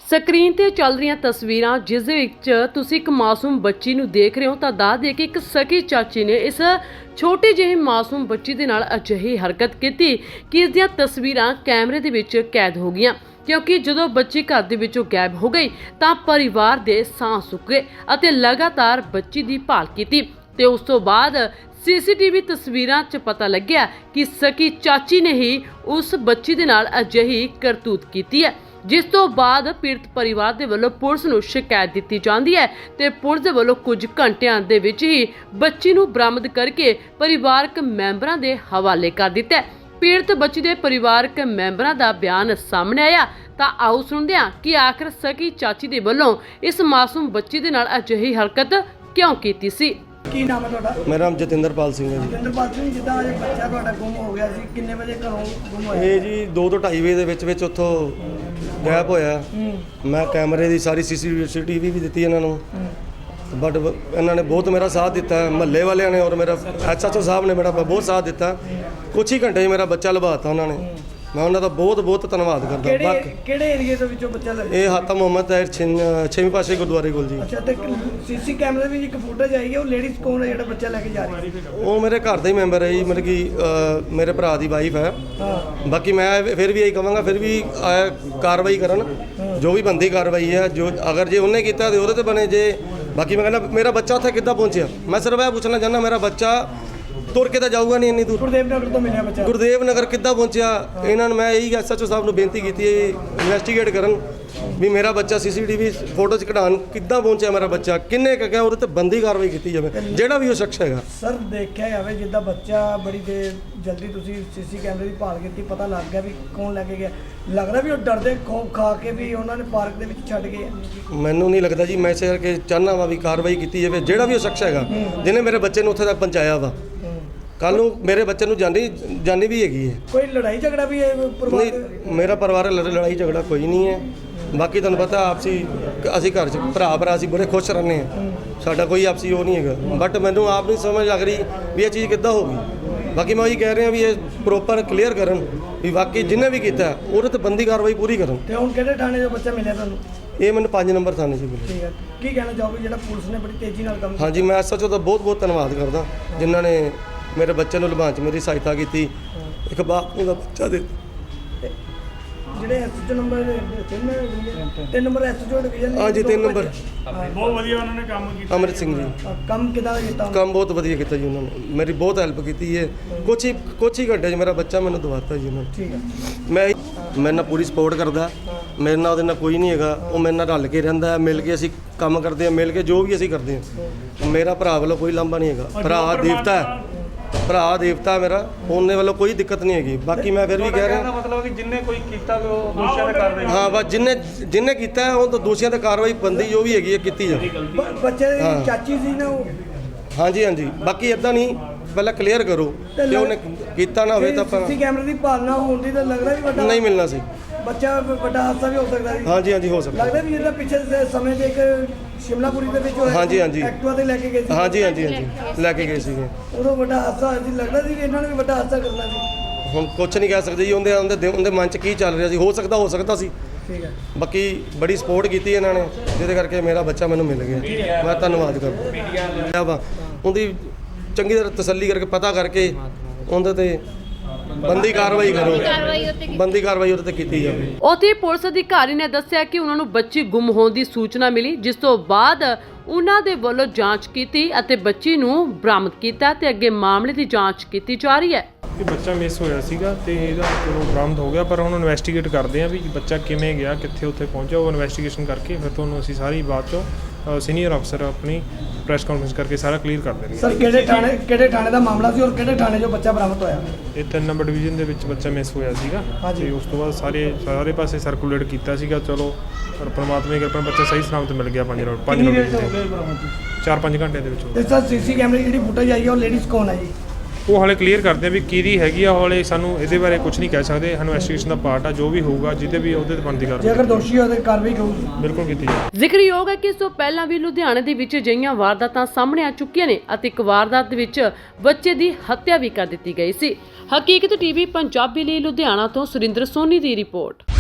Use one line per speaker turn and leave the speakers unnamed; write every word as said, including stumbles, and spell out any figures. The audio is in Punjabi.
ਸਕਰੀਨ ਤੇ ਚੱਲ ਰਹੀਆਂ ਤਸਵੀਰਾਂ ਜਿਸ ਦੇ ਵਿੱਚ ਤੁਸੀਂ ਇੱਕ ਮਾਸੂਮ ਬੱਚੀ ਨੂੰ ਦੇਖ ਰਹੇ ਹੋ ਤਾਂ ਦੱਸ ਦੇ ਕਿ ਇੱਕ ਸਕੀ ਚਾਚੀ ਨੇ ਇਸ ਛੋਟੀ ਜਿਹੀ ਮਾਸੂਮ ਬੱਚੀ ਦੇ ਨਾਲ ਅਜਿਹੀ ਹਰਕਤ ਕੀਤੀ ਕਿ ਇਸ ਦੀਆਂ ਤਸਵੀਰਾਂ ਕੈਮਰੇ ਦੇ ਵਿੱਚ ਕੈਦ ਹੋ ਗਈਆਂ। क्योंकि जो बच्ची घर के विचों गायब हो गई तो परिवार के साह सुक गए और लगातार बच्ची की भाल की। तो उस तो बाद सीसीटीवी तस्वीरों च पता लग्या कि सकी चाची ने ही उस बच्ची दे नाल अजिही करतूत की है, जिस तो बाद पीड़ित परिवार के वलों पुलिस नूं शिकायत दी जाती है तो पुलिस के वलों कुछ घंटिया दे विच ही बच्ची नूं बरामद करके परिवारक मैंबरां दे हवाले कर दिता है। पीड़ित बच्ची के परिवारक मैंबरां दा बयान सामने आया तो आओ सुनते हैं कि आखिर सकी चाची दे वलों इस मासूम बच्ची दे नाल अजिही हरकत क्यों कीती सी।
ਕੀ ਨਾਮ ਹੈ ਤੁਹਾਡਾ?
मेरा नाम जतिंदरपाल सिंह है जी।
ਜਤਿੰਦਰਪਾਲ ਸਿੰਘ, ਜਿੱਦਾਂ ਇਹ ਬੱਚਾ ਤੁਹਾਡਾ ਗੁੰਮ ਹੋ ਗਿਆ ਸੀ, ਕਿੰਨੇ ਵਜੇ ਘਰੋਂ ਗੁੰਮ ਹੋਇਆ?
ਇਹ ਜੀ ਦੋ ਤੋਂ ਢਾਈ ਵਜੇ ਦੇ ਵਿੱਚ ਵਿੱਚ ਉੱਥੋਂ ਗਾਇਬ ਹੋਇਆ। ਮੈਂ ਕੈਮਰੇ ਦੀ ਸਾਰੀ ਸੀਸੀਟੀਵੀ ਵੀ ਦਿੱਤੀ ਇਹਨਾਂ ਨੂੰ, ਬਟ ਇਹਨਾਂ ਨੇ ਬਹੁਤ ਮੇਰਾ ਸਾਥ ਦਿੱਤਾ, ਮਹੱਲੇ ਵਾਲਿਆਂ ਨੇ ਔਰ ਮੇਰਾ ਐਸਐਚਓ ਸਾਹਿਬ ਨੇ ਮੇਰਾ ਬਹੁਤ ਸਾਥ ਦਿੱਤਾ। ਕੁਛ ਹੀ ਘੰਟੇ 'ਚ ਮੇਰਾ ਬੱਚਾ ਲਭਾਤਾ ਉਹਨਾਂ ਨੇ। ਮੈਂ ਉਹਨਾਂ ਦਾ ਬਹੁਤ ਬਹੁਤ ਧੰਨਵਾਦ ਕਰਦਾ।
ਕਿਹੜੇ ਕਿਹੜੇ ਏਰੀਏ ਦੇ ਵਿੱਚੋਂ ਬੱਚਾ ਲੱਗਾ?
ਇਹ ਹਾਤਾ ਮੁਹੰਮਦ ਤਾਹਿਰ ਛੇਵੀਂ ਪਾਸੇ ਗੁਰਦੁਆਰੇ ਕੋਲ ਜੀ।
ਅੱਛਾ, ਤੇ ਸੀਸੀ ਕੈਮਰੇ ਵਿੱਚ ਇੱਕ ਫੁਟੇਜ ਆਈ ਹੈ, ਉਹ ਲੇਡੀਜ਼ ਕੌਣ ਹੈ ਜਿਹੜਾ ਬੱਚਾ ਲੈ ਕੇ ਜਾ ਰਹੀ ਹੈ?
ਉਹ ਮੇਰੇ ਘਰ ਦਾ ਹੀ ਮੈਂਬਰ ਹੈ ਜੀ, ਮਤਲਬ ਕਿ ਅ, ਮੇਰੇ ਭਰਾ ਦੀ ਵਾਈਫ ਹੈ। ਬਾਕੀ ਮੈਂ ਫਿਰ ਵੀ ਇਹੀ ਕਹਾਂਗਾ, ਫਿਰ ਵੀ ਅ, ਕਾਰਵਾਈ ਕਰਨ, ਜੋ ਵੀ ਬੰਦੀ ਕਾਰਵਾਈ ਹੈ। ਜੋ ਅਗਰ ਜੇ ਉਹਨੇ ਕੀਤਾ ਤੇ ਉਹਦੇ ਤੇ ਬਣੇ। ਜੇ ਬਾਕੀ ਮੈਂ ਕਹਿੰਦਾ ਮੇਰਾ ਬੱਚਾ ਉੱਥੇ ਕਿੱਦਾਂ ਪਹੁੰਚਿਆ, ਮੈਂ ਸਿਰਫ ਇਹ ਪੁੱਛਣਾ ਚਾਹੁੰਦਾ, ਮੇਰਾ ਬੱਚਾ ਤੁਰ ਕੇ ਤਾਂ ਜਾਊਗਾ ਨਹੀਂ ਇੰਨੀ ਦੂਰ।
ਗੁਰਦੇਵ ਨਗਰ ਤੋਂ ਮਿਲਿਆ ਬੱਚਾ? ਗੁਰਦੇਵ
ਨਗਰ ਕਿੱਦਾਂ ਪਹੁੰਚਿਆ? ਇਹਨਾਂ ਨੂੰ ਮੈਂ ਇਹੀ ਐਸਐਚਓ ਸਾਹਿਬ ਨੂੰ ਬੇਨਤੀ ਕੀਤੀ ਹੈ, ਇਨਵੈਸਟੀਗੇਟ ਕਰਨ ਵੀ ਮੇਰਾ ਬੱਚਾ ਸੀਸੀਟੀਵੀ ਫੋਟੋ 'ਚ ਕਢਾਉਣ ਕਿੱਦਾਂ ਪਹੁੰਚਿਆ, ਮੇਰਾ ਬੱਚਾ ਕਿੰਨੇ ਕੁ ਗਿਆ, ਉਹਦੇ ਤੇ ਬੰਦੀ ਕਾਰਵਾਈ ਕੀਤੀ ਜਾਵੇ, ਜਿਹੜਾ ਵੀ ਉਹ ਸ਼ਖਸ ਹੈਗਾ।
ਸਰ, ਦੇਖਿਆ ਜਾਵੇ ਜਿੱਦਾਂ ਬੱਚਾ ਬੜੀ ਦੇਰ ਜਲਦੀ ਤੁਸੀਂ ਸੀਸੀ ਕੈਮਰੇ ਦੀ ਭਾਲ ਕੀਤੀ, ਪਤਾ ਲੱਗ ਗਿਆ ਵੀ ਕੌਣ ਲੈ ਕੇ ਗਿਆ, ਲੱਗਦਾ ਵੀ ਉਹ ਡਰਦੇ ਖੌਫ ਖਾ ਕੇ ਵੀ ਉਹਨਾਂ ਨੇ ਪਾਰਕ ਦੇ ਵਿੱਚ ਛੱਡ ਗਏ ਆ?
ਮੈਨੂੰ ਨਹੀਂ ਲੱਗਦਾ ਜੀ, ਮੈਂ ਇਸੇ ਕਰਕੇ ਚਾਹੁੰਦਾ ਵਾ ਵੀ ਕਾਰਵਾਈ ਕੀਤੀ ਜਾਵੇ, ਜਿਹੜਾ ਵੀ ਉਹ ਸ਼ਖਸ ਹੈਗਾ ਜਿਹਨੇ ਮੇਰੇ ਬੱਚੇ ਨੂੰ ਉੱਥੇ ਤੱਕ ਪਹੁੰਚਾਇਆ ਵਾ। ਕੱਲ ਨੂੰ ਮੇਰੇ ਬੱਚੇ ਨੂੰ ਜਾਨੀ ਜਾਨੀ ਵੀ ਹੈਗੀ ਹੈ।
ਕੋਈ ਲੜਾਈ ਝਗੜਾ ਵੀ ਹੈ ਪਰਿਵਾਰ?
ਨਹੀਂ, ਮੇਰਾ ਪਰਿਵਾਰ ਲੜਾਈ ਝਗੜਾ ਕੋਈ ਨਹੀਂ ਹੈ। ਬਾਕੀ ਤੁਹਾਨੂੰ ਪਤਾ ਆਪਸੀ ਅਸੀਂ ਘਰ 'ਚ ਭਰਾ ਭਰਾ ਅਸੀਂ ਬੜੇ ਖੁਸ਼ ਰਹਿੰਦੇ ਹਾਂ, ਸਾਡਾ ਕੋਈ ਆਪਸੀ ਉਹ ਨਹੀਂ ਹੈਗਾ। ਬਟ ਮੈਨੂੰ ਆਪ ਨਹੀਂ ਸਮਝ ਲੱਗ ਰਹੀ ਵੀ ਇਹ ਚੀਜ਼ ਕਿੱਦਾਂ ਹੋ ਗਈ। ਬਾਕੀ ਮੈਂ ਉਹੀ ਕਹਿ ਰਿਹਾ ਵੀ ਇਹ ਪ੍ਰੋਪਰ ਕਲੀਅਰ ਕਰਨ ਵੀ ਵਾਕਈ ਜਿਹਨੇ ਵੀ ਕੀਤਾ ਉਹਦੇ ਤੇ ਬੰਦੀ ਕਾਰਵਾਈ ਪੂਰੀ ਕਰਨ।
ਤੇ ਹੁਣ ਕਿਹੜੇ ਥਾਣੇ 'ਚੋਂ ਬੱਚਾ ਮਿਲਿਆ ਤੁਹਾਨੂੰ?
ਇਹ ਮੈਨੂੰ ਪੰਜ ਨੰਬਰ ਥਾਣੇ 'ਚ ਮਿਲਿਆ।
ਠੀਕ ਹੈ, ਕੀ ਕਹਿਣਾ ਚਾਹੋਗੇ ਜਿਹੜਾ ਪੁਲਿਸ ਨੇ ਬੜੀ ਤੇਜ਼ੀ ਨਾਲ ਕੰਮ?
ਹਾਂਜੀ, ਮੈਂ ਐਸਐਚਓ ਦਾ ਬਹੁਤ ਬਹੁਤ ਧੰਨਵਾਦ ਕਰਦਾ ਜਿਨ੍ਹਾਂ ਨੇ ਮੇਰੇ ਬੱਚੇ ਨੂੰ ਲਭਾਉਣ 'ਚ ਮੇਰੀ ਸਹਾਇਤਾ ਕੀਤੀ। ਇੱਕ ਬਾਪ ਨੂੰ ਦਾ ਬੱਚਾ ਦੇ
ਜਿਹੜੇ ਐਸਐਚਓ ਨੰਬਰ ਤਿੰਨ ਤਿੰਨ ਨੰਬਰ ਐਸਐਚਓ ਡਿਵੀਜ਼ਨ?
ਹਾਂਜੀ, ਤਿੰਨ ਨੰਬਰ।
ਬਹੁਤ ਵਧੀਆ ਉਹਨਾਂ ਨੇ ਕੰਮ ਕੀਤਾ।
ਅਮਰਿਤ ਸਿੰਘ ਜੀ,
ਕੰਮ ਕਿੱਦਾਂ ਦਾ ਕੀਤਾ?
ਕੰਮ ਬਹੁਤ ਵਧੀਆ ਕੀਤਾ ਜੀ ਉਹਨਾਂ ਨੇ, ਮੇਰੀ ਬਹੁਤ ਹੈਲਪ ਕੀਤੀ ਹੈ। ਕੁਛ ਹੀ ਕੁਛ ਹੀ ਘੰਟੇ 'ਚ ਮੇਰਾ ਬੱਚਾ ਮੈਨੂੰ ਦਵਾਤਾ ਜੀ ਉਹਨਾਂ ਨੇ।
ਠੀਕ ਹੈ,
ਮੈਂ ਮੇਰੇ ਨਾਲ ਪੂਰੀ ਸਪੋਰਟ ਕਰਦਾ, ਮੇਰੇ ਨਾਲ ਉਹਦੇ ਨਾਲ ਕੋਈ ਨਹੀਂ ਹੈਗਾ। ਉਹ ਮੇਰੇ ਨਾਲ ਰਲ ਕੇ ਰਹਿੰਦਾ, ਮਿਲ ਕੇ ਅਸੀਂ ਕੰਮ ਕਰਦੇ ਹਾਂ, ਮਿਲ ਕੇ ਜੋ ਵੀ ਅਸੀਂ ਕਰਦੇ ਹਾਂ। ਮੇਰਾ ਭਰਾ ਵੱਲੋਂ ਕੋਈ ਲਾਂਭਾ ਨਹੀਂ ਹੈਗਾ। ਭਰਾ ਦੇਵਤਾ ਹੈ, ਭਰਾ ਦੇਵਤਾ ਮੇਰਾ, ਉਹਨੇ ਵੱਲੋਂ ਕੋਈ ਦਿੱਕਤ ਨਹੀਂ ਹੈਗੀ। ਬਾਕੀ ਮੈਂ ਫਿਰ ਵੀ ਕਹਿ ਰਿਹਾ
ਮਤਲਬ ਕਿ ਜਿੰਨੇ ਕੋਈ ਕੀਤਾ ਉਹ ਦੋਸ਼ੀਆਂ ਤੇ ਕਾਰਵਾਈ।
ਹਾਂ, ਬਸ ਜਿੰਨੇ ਜਿੰਨੇ ਕੀਤਾ ਹੈ ਉਹ ਤਾਂ ਦੋਸ਼ੀਆਂ ਤੇ ਕਾਰਵਾਈ ਬੰਦੀ ਜੋ ਵੀ ਹੈਗੀ ਹੈ ਕੀਤੀ ਜਾਵੇ।
ਬੱਚੇ ਦੀ ਚਾਚੀ ਸੀ ਨਾ ਉਹ?
ਹਾਂਜੀ ਹਾਂਜੀ, ਬਾਕੀ ਇਦਾਂ ਨਹੀਂ, ਪਹਿਲਾਂ ਕਲੀਅਰ ਕਰੋ ਕਿ ਉਹਨੇ ਕੀਤਾ ਨਾ ਹੋਵੇ ਤਾਂ ਆਪਾਂ
ਸੀਸੀ ਕੈਮਰੇ ਦੀ ਭਾਲਣਾ ਹੋਣ ਦੀ ਤਾਂ ਲੱਗਦਾ ਵੀ ਵੱਡਾ
ਨਹੀਂ ਮਿਲਣਾ ਸੀ।
ਬੱਚਾ ਵੱਡਾ ਹਾਦਸਾ ਵੀ ਹੋ ਸਕਦਾ ਸੀ।
ਹਾਂਜੀ ਹਾਂਜੀ, ਹੋ ਸਕਦਾ।
ਲੱਗਦਾ ਵੀ ਇਹਦਾ ਪਿੱਛੇ ਦੇ ਸਮੇਂ ਤੇ ਇੱਕ ਸ਼ਿਮਲਾਪੁਰੀ ਦੇ ਵਿੱਚ ਹੋਇਆ।
ਹਾਂਜੀ ਹਾਂਜੀ,
ਐਕਟਿਵਾ ਤੇ ਲੈ ਕੇ ਗਏ ਸੀ।
ਹਾਂਜੀ ਹਾਂਜੀ ਹਾਂਜੀ, ਲੈ ਕੇ ਗਏ ਸੀਗੇ।
ਉਦੋਂ ਵੱਡਾ ਹਾਦਸਾ ਹੋਇਆ ਸੀ, ਲੱਗਦਾ ਸੀ ਵੀ ਇਹਨਾਂ ਨੇ ਵੀ ਵੱਡਾ ਹਾਦਸਾ ਕਰਨਾ ਸੀ।
ਹੁਣ ਕੁਛ ਨਹੀਂ ਕਹਿ ਸਕਦੇ ਜੀ, ਉਹਦੇ ਉਹਦੇ ਉਹਦੇ ਮਨ 'ਚ ਕੀ ਚੱਲ ਰਿਹਾ ਸੀ। ਹੋ ਸਕਦਾ ਹੋ ਸਕਦਾ ਸੀ।
ਠੀਕ ਹੈ,
ਬਾਕੀ ਬੜੀ ਸਪੋਰਟ ਕੀਤੀ ਇਹਨਾਂ ਨੇ, ਜਿਹਦੇ ਕਰਕੇ ਮੇਰਾ ਬੱਚਾ ਮੈਨੂੰ ਮਿਲ ਗਿਆ। ਮੈਂ ਧੰਨਵਾਦ ਕਰਦਾ ਵਾ ਉਹਦੀ, ਚੰਗੀ ਤਰ੍ਹਾਂ ਤਸੱਲੀ ਕਰਕੇ ਪਤਾ ਕਰਕੇ ਉਹਦੇ ਤੇ ਬੰਦੀ ਕਾਰਵਾਈ ਕਰੋ, ਬੰਦੀ ਕਾਰਵਾਈ ਉਹਦੇ ਤੇ ਕੀਤੀ ਜਾਵੇ।
ਉੱਥੇ ਪੁਲਿਸ ਅਧਿਕਾਰੀ ਨੇ ਦੱਸਿਆ ਕਿ ਉਹਨਾਂ ਨੂੰ ਬੱਚੀ ਗੁੰਮ ਹੋਣ ਦੀ ਸੂਚਨਾ ਮਿਲੀ, ਜਿਸ ਤੋਂ ਬਾਅਦ ਉਹਨਾਂ ਦੇ ਵੱਲੋਂ ਜਾਂਚ ਕੀਤੀ ਅਤੇ ਬੱਚੀ ਨੂੰ ਬਰਾਮਦ ਕੀਤਾ ਤੇ ਅੱਗੇ ਮਾਮਲੇ ਦੀ ਜਾਂਚ ਕੀਤੀ ਜਾ ਰਹੀ ਹੈ।
ਇਹ ਬੱਚਾ ਮਿਸ ਹੋਇਆ ਸੀਗਾ ਤੇ ਇਹਦਾ ਚਲੋ ਬਰਾਮਦ ਹੋ ਗਿਆ, ਪਰ ਹੁਣ ਇਨਵੈਸਟੀਗੇਟ ਕਰਦੇ ਆ ਵੀ ਬੱਚਾ ਕਿਵੇਂ ਗਿਆ, ਕਿੱਥੇ ਉੱਥੇ ਪਹੁੰਚਿਆ। ਉਹ ਇਨਵੈਸਟੀਗੇਸ਼ਨ ਕਰਕੇ ਫਿਰ ਤੁਹਾਨੂੰ ਅਸੀਂ ਸਾਰੀ ਬਾਤ ਚੋਂ ਸੀਨੀਅਰ ਅਫਸਰ ਆਪਣੀ ਪ੍ਰੈਸ ਕਾਨਫਰੰਸ ਕਰਕੇ ਸਾਰਾ ਕਲੀਅਰ ਕਰ ਦੇਣਗੇ।
ਸਰ, ਕਿਹੜੇ ਥਾਣੇ ਕਿਹੜੇ ਥਾਣੇ ਦਾ ਮਾਮਲਾ ਸੀ ਔਰ ਕਿਹੜੇ ਥਾਣੇ 'ਚੋਂ ਬੱਚਾ ਬਰਾਮਦ ਹੋਇਆ?
ਇਹ ਤਿੰਨ ਨੰਬਰ ਡਿਵੀਜ਼ਨ ਦੇ ਵਿੱਚ ਬੱਚਾ ਮਿਸ ਹੋਇਆ ਸੀਗਾ ਤੇ ਉਸ ਤੋਂ ਬਾਅਦ ਸਾਰੇ ਸਾਰੇ ਪਾਸੇ ਸਰਕੂਲੇਟ ਕੀਤਾ ਸੀਗਾ। ਚਲੋ ਪਰ ਪਰਮਾਤਮਾ ਦੀ ਕਿਰਪਾ ਬੱਚਾ ਸਹੀ ਸਲਾਮਤ ਮਿਲ ਗਿਆ। ਪੰਜ ਰੋਡ ਪੰਜ ਰੋਡ ਚਾਰ ਪੰਜ ਘੰਟੇ ਦੇ ਵਿੱਚ।
ਤੇ ਸਰ, ਸੀਸੀ ਕੈਮਰੇ ਜਿਹੜੀ ਫੁਟੇਜ ਆਈ ਹੈ ਉਹ ਲੇਡੀਜ਼ ਕੌਣ ਹੈ ਜੀ?
ਉਹ ਹਾਲੇ ਕਲੀਅਰ ਕਰਦੇ ਆ ਵੀ ਕਿਹਦੀ ਹੈਗੀ ਆ। ਹਾਲੇ ਸਾਨੂੰ ਇਹਦੇ ਬਾਰੇ ਕੁਝ ਨਹੀਂ ਕਹਿ ਸਕਦੇ। ਇਨਵੈਸਟੀਗੇਸ਼ਨ ਦਾ ਪਾਰਟ ਆ, ਜੋ ਵੀ ਹੋਊਗਾ ਜਿਹਦੇ ਵੀ ਉਹਦੇ ਤੇ ਬਣਦੀ ਕਾਰਵਾਈ,
ਜੇ ਅਗਰ ਦੋਸ਼ੀ ਹੋਵੇ ਤਾਂ ਕਾਰਵਾਈ ਹੋਊਗੀ
ਬਿਲਕੁਲ ਕੀਤੀ ਜਾਵੇ।
ਜ਼ਿਕਰਯੋਗ ਹੈ ਕਿ ਇਸ ਤੋਂ ਪਹਿਲਾਂ ਵੀ ਲੁਧਿਆਣੇ ਦੇ ਵਿੱਚ ਅਜਿਹੀਆਂ ਵਾਰਦਾਤਾਂ ਸਾਹਮਣੇ ਆ ਚੁੱਕੀਆਂ ਨੇ ਅਤੇ ਇੱਕ ਵਾਰਦਾਤ ਦੇ ਵਿੱਚ ਬੱਚੇ ਦੀ ਹੱਤਿਆ ਵੀ ਕਰ ਦਿੱਤੀ ਗਈ ਸੀ। ਹਕੀਕਤ ਟੀਵੀ ਪੰਜਾਬੀ ਲਈ ਲੁਧਿਆਣਾ ਤੋਂ ਸੁਰਿੰਦਰ ਸੋਨੀ ਦੀ ਰਿਪੋਰਟ।